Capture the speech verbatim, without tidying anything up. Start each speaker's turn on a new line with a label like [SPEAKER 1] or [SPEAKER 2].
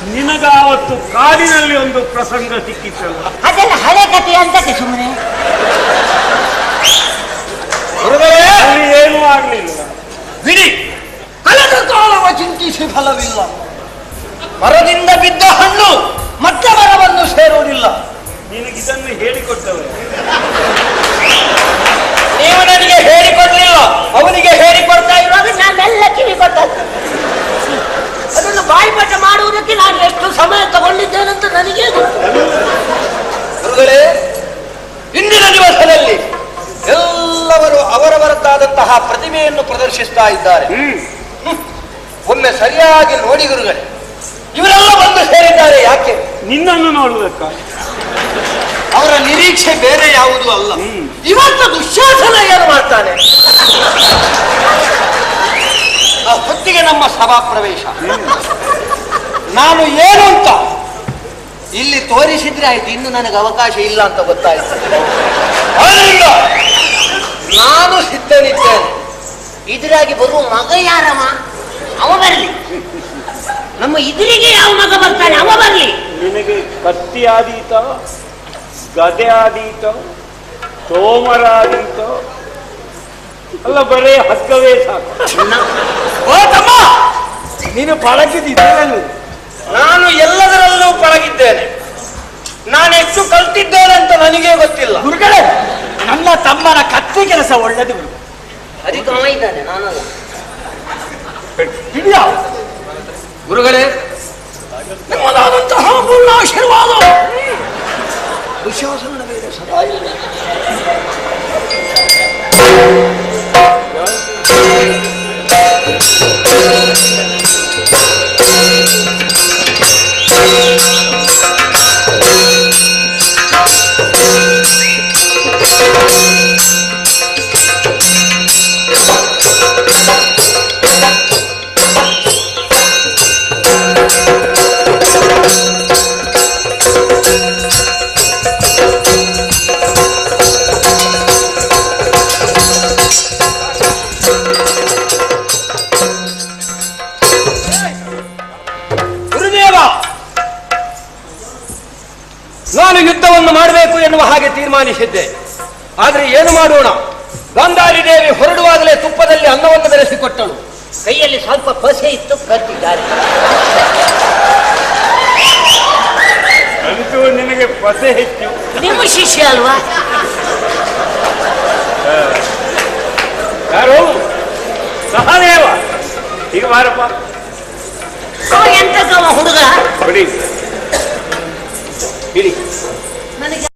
[SPEAKER 1] ನಿನಗಾವತ್ತು ಕಾಡಿನಲ್ಲಿ ಒಂದು ಪ್ರಸಂಗ ಸಿಕ್ಕಿತ್ತಲ್ಲ,
[SPEAKER 2] ಅದೆಲ್ಲ ಹಳೆ ಕಥೆ ಅಂತಕ್ಕೆ ಸುಮ್ಮನೆ.
[SPEAKER 1] ಅಲ್ಲಿ ಏನೂ ಆಗ್ಲಿಲ್ಲ.
[SPEAKER 3] ಬಿಡಿ, ಕಳೆದ ಕಾಲವ ಚಿಂತಿಸಿ ಫಲವಿಲ್ಲ. ಮರದಿಂದ ಬಿದ್ದ ಹಣ್ಣು ಮತ್ತೆ ಮರವನ್ನು ಸೇರುವುದಿಲ್ಲ.
[SPEAKER 1] ನಿನಗಿದನ್ನು ಹೇಳಿಕೊಟ್ಟವರು
[SPEAKER 3] ನೀವು ನನಗೆ ಹೇಳಿಕೊಡ್ಲಿಲ್ಲ, ಅವನಿಗೆ ಹೇಳಿಕೊಡ್ತಾ ಇರುವಾಗ
[SPEAKER 2] ನಾನೆಲ್ಲ ಕಿವಿ ಕೊಟ್ಟದ್ದು. ಅದನ್ನು ಬಾಯಿಪಾಠ ಮಾಡುವುದಕ್ಕೆ ನಾನು ಎಷ್ಟು ಸಮಯ ತಗೊಂಡಿದ್ದೇನಂತ ನನಗೇ ಗೊತ್ತು.
[SPEAKER 3] ಗುರುಗಳೇ, ಇಂದಿನ ದಿವಸದಲ್ಲಿ ಎಲ್ಲವರು ಅವರವರದ್ದಾದಂತಹ ಪ್ರತಿಭೆಯನ್ನು ಪ್ರದರ್ಶಿಸ್ತಾ ಇದ್ದಾರೆ. ಒಮ್ಮೆ ಸರಿಯಾಗಿ ನೋಡಿ ಗುರುಗಳೇ, ಇವರೆಲ್ಲ ಬಂದು ಸೇರಿದ್ದಾರೆ ಯಾಕೆ?
[SPEAKER 1] ನಿನ್ನನ್ನು ನೋಡುವುದಕ್ಕ.
[SPEAKER 3] ಅವರ ನಿರೀಕ್ಷೆ ಬೇರೆ ಯಾವುದೂ ಅಲ್ಲ. ಇವತ್ತು ದುಶ್ಯಾಸನ ಏನು ಮಾಡ್ತಾನೆ? ಆ ಹೊತ್ತಿಗೆ ನಮ್ಮ ಸಭಾ ಪ್ರವೇಶ. ನಾನು ಏನು ಅಂತ ಇಲ್ಲಿ ತೋರಿಸಿದ್ರೆ ಆಯ್ತು, ಇನ್ನು ನನಗೆ ಅವಕಾಶ ಇಲ್ಲ ಅಂತ ಗೊತ್ತಾಯ್ತು. ಆದ್ದರಿಂದ ನಾನು ಸಿದ್ಧನಿದ್ದೇನೆ.
[SPEAKER 2] ಇದ್ರಾಗಿ ಬರುವ ಮಗ ಯಾರವ? ಅವ ಬರಲಿ. ನಮ್ಮ ಇದ್ರಿಗೆ ಯಾವ ಮಗ ಬರ್ತಾನೆ, ಅವ ಬರಲಿ.
[SPEAKER 1] ನಿನಗೆ ಕತ್ತಿ ಆದೀತ, ಗದೆ ಆದೀತ, ತೋಮರ ಆದೀತ, ಅಲ್ಲ ಬರೇ ಹಗ್ಗವೇ ಸಾಕು.
[SPEAKER 3] ಓ ತಮ್ಮ, ನೀನು ಪಳಗಿದ್ದೇನೆ. ನಾನು ಎಲ್ಲದರಲ್ಲೂ ಪಳಗಿದ್ದೇನೆ. ನಾನೆಷ್ಟು ಕಲ್ತಿದ್ದೇನೆ ಅಂತ ನನಗೇ ಗೊತ್ತಿಲ್ಲ.
[SPEAKER 4] ಗುರುಗಳೇ, ನನ್ನ ತಮ್ಮನ ಕತ್ತಿ ಕೆಲಸ ಒಳ್ಳೆದು.
[SPEAKER 2] ಅದಕ್ಕೆ ಅವ ಇದ್ದಾನೆ, ನಾನಲ್ಲ.
[SPEAKER 4] ಹಿಡಿಯ
[SPEAKER 3] ಗುರುಗಳೇ, ನಿಮ್ಮದಾದಂತಹ ಪೂರ್ಣ ಆಶೀರ್ವಾದ ದುಶ್ಯಾಸನ ಮೇಲೆ ಸದಾ ಇರಲಿ. ನಾನು ಯುದ್ಧವನ್ನು ಮಾಡಬೇಕು ಎನ್ನುವ ಹಾಗೆ ತೀರ್ಮಾನಿಸಿದ್ದೆ. ಆದರೆ ಏನು ಮಾಡೋಣ? ಗಾಂಧಾರಿ ದೇವಿ ಹೊರಡುವಾಗಲೇ ತುಪ್ಪದಲ್ಲಿ ಅನ್ನವನ್ನು ಬೆರೆಸಿಕೊಟ್ಟಳು.
[SPEAKER 2] ಕೈಯಲ್ಲಿ ಸ್ವಲ್ಪ ಪಸೆ ಇತ್ತು, ಕತ್ತಿದ್ದಾರೆ.
[SPEAKER 1] ಅಂತೂ ನಿನಗೆ ಪಸೆ ಹೆಚ್ಚು.
[SPEAKER 2] ನಿಮ್ಮ ಶಿಷ್ಯ ಅಲ್ವಾ?
[SPEAKER 1] ಯಾರು? ಸಹದೇವ. ಈಗ ಬಾರಪ್ಪ.
[SPEAKER 2] ಅವ ಎಂತಕ್ಕವ ಹುಡುಗ?
[SPEAKER 1] ಬಿಡಿ.
[SPEAKER 2] ನನಗೆ